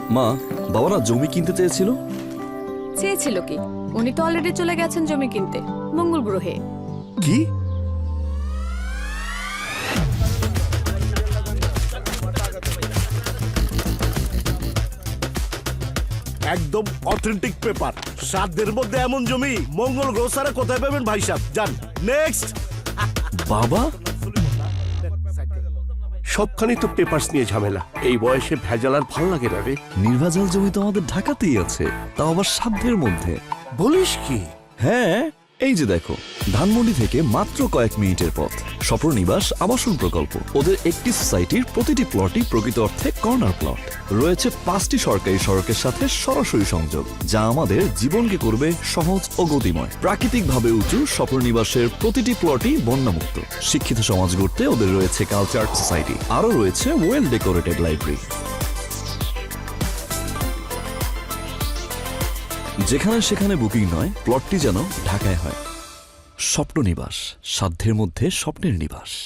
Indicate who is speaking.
Speaker 1: মা, বাবারা জমি কিনতে চেয়েছিল।
Speaker 2: চেয়েছিল কি? উনি তো অলরেডি চলে গেছেন জমি কিনতে, মঙ্গল গ্রহে।
Speaker 3: কি? একদম অথেন্টিক পেপার। 7 দিনের মধ্যে এমন জমি মঙ্গল গ্রহ ছাড়া কোথায় পাবেন ভাই সাহেব? যান নেক্সট।
Speaker 1: বাবা,
Speaker 3: সবখানি তো পেপারস নিয়ে ঝামেলা। এই বয়সে ভেজাল আর ভাল লাগে না রে।
Speaker 1: নির্ভেজাল জমি তো আমাদের ঢাকাতেই আছে, তাও আবার সাধ্যের মধ্যে।
Speaker 3: বলিস কি?
Speaker 1: হ্যাঁ, এই যে দেখো, ধানমন্ডি থেকে মাত্র কয়েক মিনিটের পথ স্বপ্ননিবাস আবাসন প্রকল্প। ওদের একটি সোসাইটির প্রতিটি প্লটই প্রকৃত অর্থে কর্নার প্লট। রয়েছে 5টি সরকারি সড়কের সাথে সরাসরি সংযোগ, যা আমাদের জীবনকে করবে সহজ ও গতিময়। প্রাকৃতিকভাবে উঁচু স্বপ্ননিবাসের প্রতিটি প্লটই বন্যামুক্ত। শিক্ষিত সমাজ গড়তে ওদের রয়েছে কালচার সোসাইটি, আরও রয়েছে ওয়েল ডেকোরেটেড লাইব্রেরি। যেখানে সেখানে বুকিং নয়, প্লটটি যেন ঢাকায় হয়। স্বপ্ননিবাস, সাধ্যের মধ্যে স্বপ্নের নিবাস।